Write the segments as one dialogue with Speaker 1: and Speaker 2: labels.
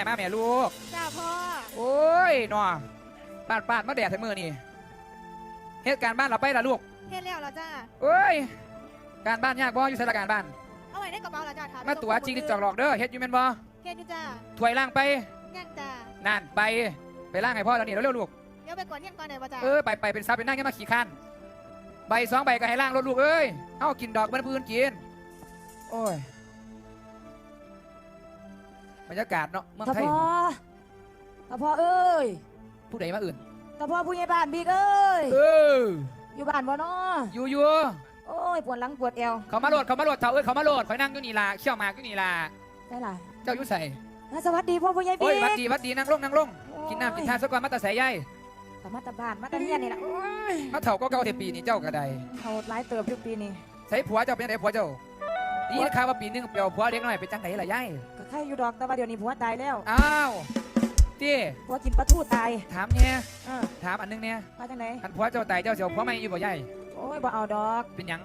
Speaker 1: มาแม่ลูก
Speaker 2: จ้าพ่อ
Speaker 1: โอ้ยหนอปาดมาแดดใส่มือนี่เหตุการณ์บ้านเราไปละลูก
Speaker 2: เฮ็ดแล้วเหรอจ้า
Speaker 1: เอ้ยการบ้านยากบ่อยู่ใส่ละการบ้าน
Speaker 2: เอาไว้ในกระเป๋าเหรอจ้าถาม
Speaker 1: มาตัวจริงที่จอกหลอกเด้อเฮ็ดอยู่แม่นบ่
Speaker 2: เฮ็ดอยู่จ้า
Speaker 1: ถวยล่างไป
Speaker 2: งั้นจ้า
Speaker 1: นั่นไปล่างให้พ่อแล้วนี่เร็วๆลูก
Speaker 2: เดี๋ยวไปก่อนเที่ยงก่อนไหนบ่จ้า
Speaker 1: ไปเป็นซับเป็นนั่งแค่มาขี่คันใบ2 ใบก็ให้ล่างรถลูกเอ้ยเอากินดอกเป็นพื้นกินโอ้ยบรรยากาศเนาะเมืองไทย
Speaker 3: ตาพ่อเอ้ย
Speaker 1: ผู้ใดมาอื่น
Speaker 3: ตาพ่อผู้ใหญ่บ้านบิ๊กเอ้ยอยู่บ้านบ่เนาะ
Speaker 1: อยู่
Speaker 3: โอ้ยปวดหลังปวดเอว
Speaker 1: เขามาโหลดเถาเอ้ยเขามาโหลดคอยนั่งอยู่นี่ล่ะเขี่ยวหมากอยู่นี่ล่ะ
Speaker 3: ใช่ล่ะ
Speaker 1: เจ้าอยู่ใส่
Speaker 3: สวัสดีพ่อผู้ใหญ่บิ๊กโอ้
Speaker 1: ยวัดดีนั่งลงกินน้ำกินทานสักก่อนมาตาใส่ใหญ่
Speaker 3: แต่มาตาบ้านมาตาเฮียนนี่ล่ะ
Speaker 1: มาเถ่าก็เก่าเทปีนี่เจ้ากระได
Speaker 3: เขาหลายเติบอยู่ปีนี้
Speaker 1: ใส่ผัวเจ้าเป็นไงผัวเจ้านี่ข่าวว่าปีนึงเปียวผัวเล็กน้อยเป็นจังไหนล่ะยาย
Speaker 3: ก็ใครอยู่ดอกแต่ว่าเดี๋ยวนี้ผัวตายแล้ว
Speaker 1: อ้าวที่
Speaker 3: ผัวกินปลาทูตาย
Speaker 1: ถามเนี่ยถามอันนึงเนี่ย
Speaker 3: มาจังไหน
Speaker 1: อันผัวเจ้าตายเจ้าเสียวผัวไม่อยู่บ่ยาย
Speaker 3: โอ้ยบ่เอาดอก
Speaker 1: เป็นยัง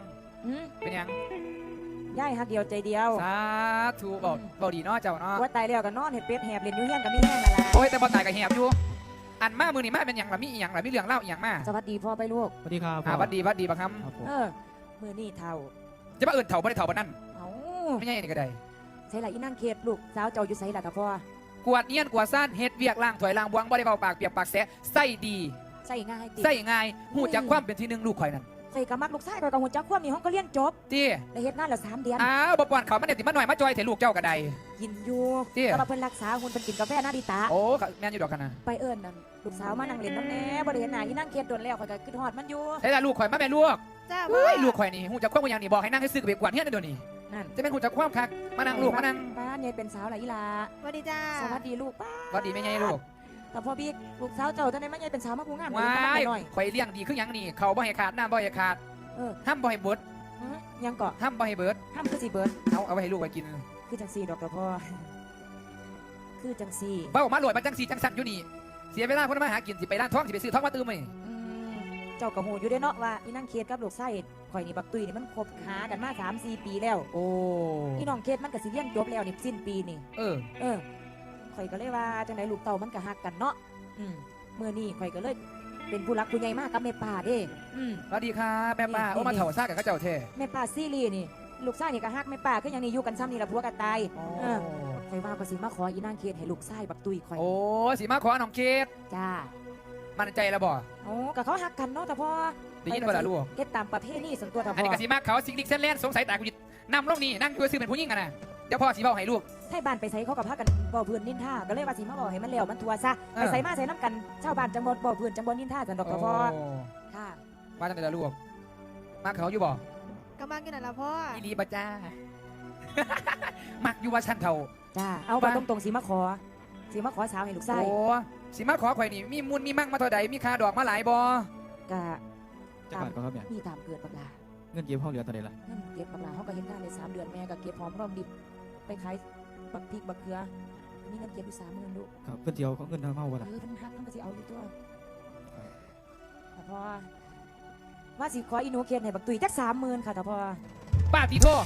Speaker 3: ย่ายฮักเดียวใจเดียว
Speaker 1: สาธุบอกดีเนาะเจ้าเนาะ
Speaker 3: ผัวตายแล้วก็นอนเห็ดเป็ดแหบเล่นอยู่เฮียนกับมีแห้งนั่นล่ะ
Speaker 1: โอ้ยแต่บ่ตายก็แหบอยู่อันมามือนี่มาเป็นยังล่ะมีอีหยังล่ะมีเรื่องเล่าอีหยังมา
Speaker 3: สวัสดีพ่อไปลูก
Speaker 4: สวัสดีครับ
Speaker 1: สวัสดีบักค
Speaker 3: ำมือนี่เท่า
Speaker 1: จะมาเอิญเถ่าบ่ได้เถ่าบ่นั่น
Speaker 3: เอ้า
Speaker 1: ไม่ใช่นี่ก็ได้
Speaker 3: ใส่ละอีนั่งเขตลูกสาวเจ้าอยู่ใส่ละกับพ่อก
Speaker 1: วดเนียนกวดซ่านเฮ็ดเวียกล้างถวยล้างบวงบ่ได้เบาปากเปียกปากแสะใส่ดี
Speaker 3: ใส่ง่าย
Speaker 1: ใส่ง่ายหูจักความเป็นที่หนึ่งลูกข่อยนั่น
Speaker 3: ใส่กระมัดลูกชายกับหูจักความมีห้องก็เลี้ยนจบ
Speaker 1: ตี
Speaker 3: ได้เฮ็ดงานละ3 เดือน
Speaker 1: อ้าวบ่ปอนเขามันเนี่ยติมาหน่อยมาจอยเถลูกเจ้ากระได
Speaker 3: กินอยู่แต่ว่าเพิ่นรักษาหุ่นเพิ่นกินกาแฟนาดิตา
Speaker 1: โอ้แม่นอยู่ดอกกันนะ
Speaker 3: ไปเอิ้นนั่นลูกสาวมานั่งเล่นน้ำแน่บ่ได้เห็นหน้าอีนั่งเขตโดนแล้วข่อยก็คิดฮอดมันอยู่
Speaker 1: ใส่ละลูกข่อยมาแม่ลูก
Speaker 2: จ้า
Speaker 1: ลูกข่อยนี่หูจักความอย่างนี้บอกให้นั่งให้ซื้อกับเบียกกวาดเฮียนเดี๋ยวนี้
Speaker 3: นั่น
Speaker 1: จะเป็นหูจักความคักมานั่งลูกมานั่ง
Speaker 3: ป้าเนี่ยเป็นสาวหลายอีหลา
Speaker 2: สวัสดีจ้า
Speaker 3: สวัสดีลูกป้า
Speaker 1: สวัสดีแม่ใหญ่ลูก
Speaker 3: แต่พอบิ๊กลูกสาวเจ้าจังได๋มันใหญ่เป็นสาวมาผู้งาม
Speaker 1: ว้ายข่อยเลี้ยงดีคือหยังนี่เขาบ่ให้ขาดน้ำบ่ให้ขาดห้ามบ่ให้เบิด
Speaker 3: ยังเกาะ
Speaker 1: ห้ามบ่ให้เบิด
Speaker 3: ห้ามคือสิเบิด
Speaker 1: เอาไปให้ลูกไปกิน
Speaker 3: คือจังซี่ดอกพ่อคือจังซี่
Speaker 1: เบ้ามาหลวยมาจังซี่จังสั่นอยู่นี่เสียเวลาคนมาหากินสิไปร้านท้องสิไปซื้อท้องมาตื้มมั้ย
Speaker 3: เจ้ากระหูอยู่ได้เนาะว่าอีนั่งเคสกับลูกไส้ข่อยนี่บักตุยนี่มันคบหากันมา 3-4 ปีแล้ว
Speaker 1: โอ้
Speaker 3: อีน้องเคสมันก็สิเรียนจบแล้วนี่สิ้นปีนี่ข่อยก็เลยว่าจังได๋ลูกเต่ามันก็ฮักกันเนาะมื้อนี้ข่อยก็เลยเป็นผู้รักผู้ใหญ่มากกับแม่ป้าเด้
Speaker 1: สวัสดีครับแม่ป้าโอ้มาเถ่าซ่ากับข้าเจ้าเท่
Speaker 3: แม่ป้าซีรีนี่ลูกชายนี่ก็ฮักแม่ป้าคืออย่างนี้อยู่กันซ้ำนี่ละผัวกันตายข่อยว่าก็สิมาขออีนางเคสให้ลูกชายบักตุยข่อย
Speaker 1: โอ้สิมาขอน้องเคส
Speaker 3: จ้า
Speaker 1: มั่นใจแล้วบ่
Speaker 3: โอ้ก็เขาฮักกันเนาะแต่พอ
Speaker 1: ได้ยินบ่ล่ะลูก
Speaker 3: เฮ็ดตามประเพณีส่วนตัวแต่พอ
Speaker 1: อันนี้ก็สิมาเขาซิกดิกเส้นแล่นสงสัยตากูนำลงนี่นั่งอยู่ซื่อเป็นผู้หญิงกันน่ะเดี๋ยวพ่อสิเว้าให้ลูก
Speaker 3: ให้บ้านไปใส่เขากับพากันบ่เพื่อนนินท่าก็เลยว่าสิมาบอกให้มันแล้วมันทัวซะไปใส่มาใส่น้ำกันชาวบ้านจังบ่เพื่อนจังบ่นินท่าจังดอกพ่อค่ะ
Speaker 1: ว่าจังได๋ล่ะลูกมักเขาอยู่บ่
Speaker 2: ก็มักอยู่นั่นล่ะพ่อ
Speaker 1: อีหลีบ่จ้ามักอยู่ว่าฉันเฒ่า
Speaker 3: จ้าเอาบ่ตรงๆสิมาขอสาวให้ลูกชาย
Speaker 1: โอ้สิมาขอข่อยนี่มีมูลมีมั่งมาเท่าใดมีค่าดอกมาหลายบ่
Speaker 3: ก็
Speaker 4: จักบาทก็ครับแม่
Speaker 3: มีตามเกิดบักลา
Speaker 4: เงินเก็บห้องเหลือตอนใดล่ะ
Speaker 3: เงินเก็บบักลาเฮาก็เฮ็ดงานได้3 เดือนแม่ก็เก็บหอมรอมริบไปขายบักพริกบักเขือมีเงินเก็บอยู่30,000ลูก
Speaker 4: ครับเพิ่นสิเอาเงินทางเฮาบ่ล่ะ
Speaker 3: เพิ่นฮักเพิ่นก็สิเอาอยู่ตัวแต่พอว่าสิขออีหนูเขียนให้บักตุยจัก30,000ค่ะแต่พอ
Speaker 1: ป้าติโท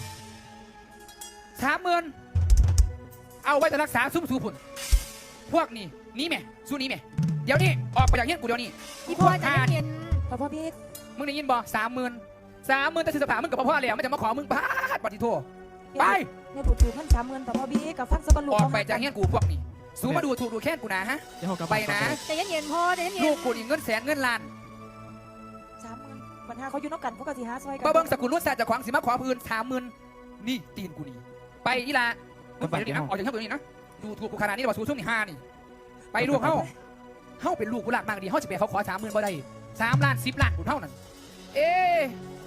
Speaker 1: 30,000เอาไว้จะรักษาซุ่มสูพุ่นพวกนี้นี่แม่สู้นี้แม่เดี๋ยวนี้ออกไปจากเฮียนกูเดี๋ยวนี้
Speaker 2: พี่พ่อจะเห็น
Speaker 3: พ่อพี่
Speaker 1: มึงได้ยินบ่30,000แต่ซื้อสภามึงกับพ่อแล้วมันจะมาขอมึงพาดปฏิโทไป
Speaker 3: เนี่ยถูกๆท่าน30,000แต่พ่อพี่กับฟังสะบันลูก
Speaker 1: ออกไปจากเฮียนกูพวกนี้สู้มาดูถูกดูแค่กูนะฮะไปนะ
Speaker 2: แต่เย็นๆพ่อแต่เย็น
Speaker 1: ลูกกูนี่เงินแสนเงินล้าน
Speaker 3: 30,000ปัญหาเขาอยู่นอกกันพวกกะสิหาซอยกัน
Speaker 1: มาเบิ้งสกุลรุ่นศาสตร์จากขวางสิมาขอพื้น30,000นี่ตีนกูนี่ไปอีลามึงไปดินะออกจากที่ตัวนี้นะดูถูกกูขนาดนี้ว่าสู้ช่วงนี้5นี่ไปลูกเฮาเป็นลูกกูหลักมากดีเฮาจะไปเขาขอ30,000บ่ได้3 ล้าน10 ล้านกูเท่านั้นเอ๊